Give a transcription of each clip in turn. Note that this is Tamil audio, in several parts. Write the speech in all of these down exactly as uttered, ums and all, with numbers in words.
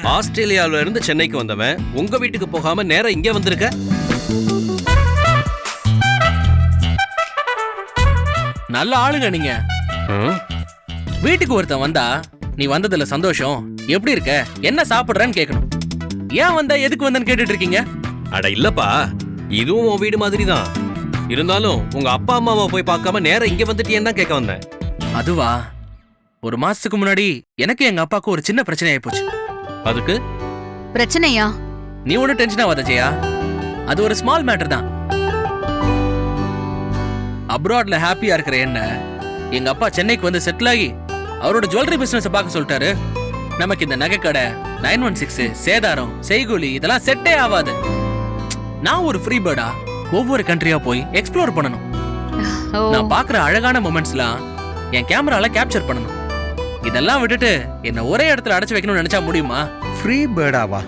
ஆஸ்திரேலியாவில இருந்து சென்னைக்கு வந்தவன் உங்க வீட்டுக்கு போகாம நேரா இங்க வந்திருக்க. நல்ல ஆளுங்க நீங்க. வீட்டுக்கு ஒருத்தன் வந்தா நீ வந்ததுல சந்தோஷம், எப்படி இருக்க, என்ன சாப்பிடுறன்னு கேட்கணும். ஏன் வந்த, எதுக்கு வந்தன்னு கேட்டுட்டு இருக்கீங்க? அட இல்லப்பா, இதுவும் உன் வீடு மாதிரி தான். இருந்தாலும் உங்க அப்பா அம்மாவை போய் பார்க்காம நேரா இங்க வந்துட்டியேன்னு தான் கேட்க வந்தேன். அதுவா, ஒரு மாசத்துக்கு முன்னாடி எனக்கு எங்க அப்பாவுக்கு ஒரு சின்ன பிரச்சனை ஆயிப்போச்சு. அதுக்கு பிரச்சனையா? நீ ஒன்னும் டென்ஷன் ஆகாத ஜெயா, அது ஒரு ஸ்மால் மேட்டர் தான். அப்ராட்ல ஹாப்பியா இருக்கிற என்ன எங்க அப்பா சென்னைக்கு வந்து செட்டில் ஆகி அவரோட ஜுவல்லரி பிசினஸ் பார்க்க சொல்லிட்டாரு. நமக்கு இந்த நகை கடை, நைன் ஒன் சிக்ஸ், சேதாரம், செய்கூலி இதெல்லாம் செட்டே ஆகாது. நான் ஒரு ஃப்ரீ பேர்டா ஒவ்வொரு கண்ட்ரியா போய் எக்ஸ்ப்ளோர் பண்ணணும். நான் பாக்குற அழகான மொமெண்ட்ஸ்லாம் என் கேமரால கேப்சர் பண்ணணும். இதெல்லாம் விட்டுட்டு என்ன ஒரே இடத்துல அடைச்சு வைக்கணும்னு நினைச்சா முடியுமா? ஃப்ரீ பேர்டாவா?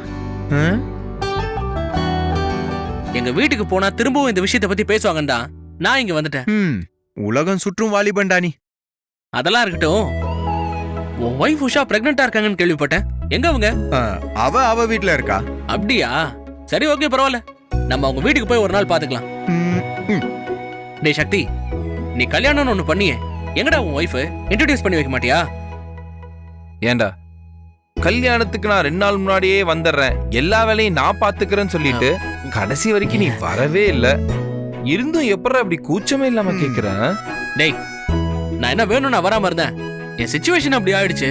எங்க வீட்டுக்கு போனா திரும்பவும் இந்த விஷயத்தை பத்தி பேசுவாங்கன்னு நான் இங்க வந்துட்டேன். உலகம் சுற்றும் வாலிபண்டா நீ. அதெல்லாம் இருக்கட்டும், உன் ஒய்ஃப் உஷா பிரெக்னெண்டா இருக்காங்கன்னு கேள்விப்பட்டேன். எங்க அவங்க? அவ அவ வீட்ல இருக்கா. அப்படியா? சரி, ஓகே, பரவாயில்ல. நம்ம அவங்க வீட்டுக்கு போய் ஒரு நாள் பாத்துக்கலாம். டேய் சக்தி, நீ கல்யாணம்னு ஒண்ணு பண்ணியே, எங்கடா உன் ஒய்ஃப் இன்ட்ரோடியூஸ் பண்ணி வைக்க மாட்டியா? ஏண்டா, கல்யாணத்துக்கு நான் ரெண்டு நாள் முன்னாடியே வந்துடுறேன், எல்லா வேலையும் நான் பாத்துக்கிறேன்னு சொல்லிட்டு கடைசி வரைக்கும் நீ வரவே இல்ல. இருந்தும் எப்பறம் அப்படி கூச்சமே இல்லாம கேக்குறேன்? டேய், நான் என்ன வேணும் நான் வராம இருந்தேன், என் சிச்சுவேஷன் அப்படி ஆயிடுச்சு.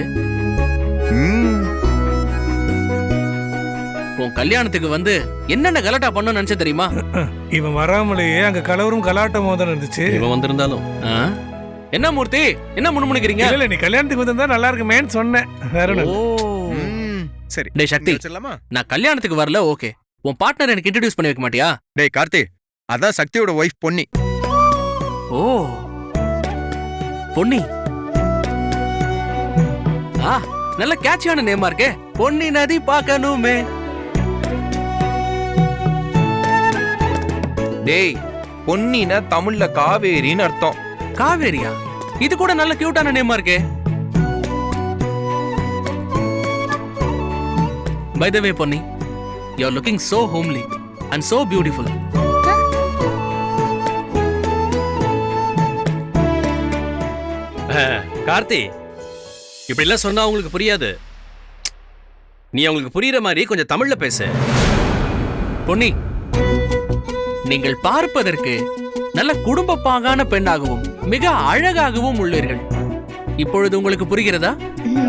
உன் கல்யாணத்துக்கு வந்து என்னென்ன கலாட்டா பண்ண நினைச்ச தெரியுமா? இவன் வராமலேயே அங்க கலவரும் கலாட்டமும் தான் இருந்துச்சு. இவன் வந்திருந்தாலும் என்ன மூர்த்தி, என்ன முணுமுணுக்கிறீங்க? இல்ல, நீ கல்யாணத்துக்கு வந்திருந்தா நல்லா இருக்குமேன்னு சொன்னேன். வேற சரி. டேய் சக்தி, நான் கல்யாணத்துக்கு வரல, ஓகே. உன் பார்ட்னர் எனக்கு இன்ட்ரோடியூஸ் பண்ணி வைக்க மாட்டியா? டேய் கார்த்தி, அதான் சக்தியோட ஒய்ஃப் பொன்னி. ஓ, பொன்னி. ஆ, நல்ல கேட்சியான நேமா இருக்கே. பொன்னி நதி பார்க்கணுமே. டேய், பொன்னினா தமிழ்ல காவேரின்னு அர்த்தம். காவேரியா? இது கூட நல்ல கியூட்டான நேமா இருக்கே. By the way, Ponni, you're looking so homely and so beautiful. Karthi, இப்படி எல்லாம் சொன்னா உங்களுக்கு புரியாது. நீ அவங்களுக்கு புரியுற மாதிரி கொஞ்சம் தமிழ்ல பேசு. பொன்னி, நீங்கள் பார்ப்பதற்கு நல்ல குடும்ப பாங்கான பெண்ணாகவும் மிக அழகாகவும் உள்ளீர்கள். இப்பொழுது உங்களுக்கு புரிகிறதா?